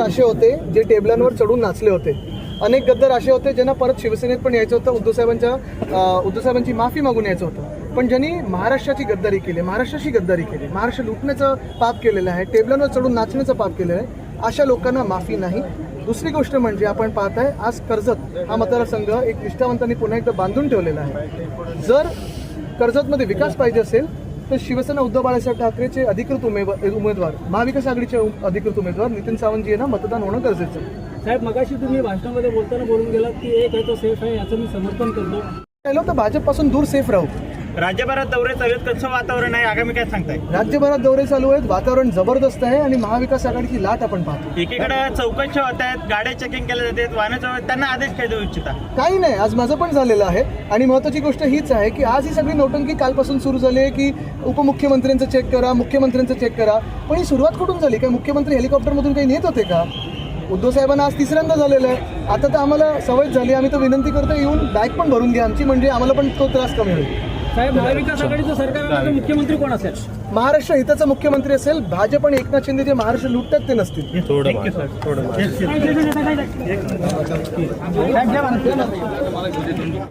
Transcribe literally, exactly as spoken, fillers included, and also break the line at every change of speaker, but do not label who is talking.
असे होते जे टेबलांवर चढून नाचले होते, अनेक गद्दार असे होते ज्यांना परत शिवसेनेत पण यायचं होतं, उद्धव साहेबांच्या उद्धव साहेबांची माफी मागून यायचं होतं, पण ज्यांनी महाराष्ट्राची गद्दारी केली, महाराष्ट्राची गद्दारी केली, महाराष्ट्र लुटण्याचं पाप केलेलं आहे, टेबलांवर चढून नाचण्याचं पाप केलेलं आहे, अशा लोकांना माफी नाही. दुसरी गोष्ट म्हणजे आपण पाहताय आज कर्जत हा मतदारसंघ एक निष्ठावंतांनी पुन्हा एकदा बांधून ठेवलेला आहे. जर कर्जतमध्ये विकास पाहिजे असेल तर शिवसेना उद्धव बाळासाहेब ठाकरेचे अधिकृत उमेदवार उमेदवार महाविकास आघाडीचे अधिकृत उमेदवार नितीन सावंत यांना मतदान होणं गरजेचं आहे.
साहेब, मगाशी तुम्ही भाषणामध्ये बोलताना बोलून गेलात की एक आहे तो सेफ आहे, याचं मी समर्थन करतो.
पहिलं तर भाजपपासून दूर सेफ राहू.
राज्यभरात दौरे चालू आहेत, कसं वातावरण आहे, आगामी काय सांगताय?
राज्यभरात दौरे चालू आहेत, वातावरण जबरदस्त आहे आणि महाविकास आघाडीची लाट आपण पाहतो.
एकीकडे चौकशा होत आहेत, गाड्या चेकिंग केल्या जातात, वाहनाचं, त्यांना आदेश काय देऊ इच्छिता?
काही नाही, आज माझं पण झालेलं आहे आणि महत्त्वाची गोष्ट हीच आहे की आज ही सगळी नौटंकी कालपासून सुरू झाली आहे की उपमुख्यमंत्र्यांचं चेक करा, मुख्यमंत्र्यांचं चेक करा. पण ही सुरुवात कुठून झाली? काय मुख्यमंत्री हेलिकॉप्टरमधून काही नेत होते का? उद्धव साहेबांना आज तिसऱ्यांदा झालेलं आहे. आता तर आम्हाला सवय झाली, आम्ही तर विनंती करतो येऊन बॅग पण भरून घ्या आमची, म्हणजे आम्हाला पण तो त्रास कमी होईल.
साहेब, महाविकास आघाडीचं सरकार मुख्यमंत्री कोण असेल?
महाराष्ट्र हिताचा मुख्यमंत्री असेल. भाजप आणि एकनाथ शिंदे जे महाराष्ट्र लुटतात ते नसतील.
थोडं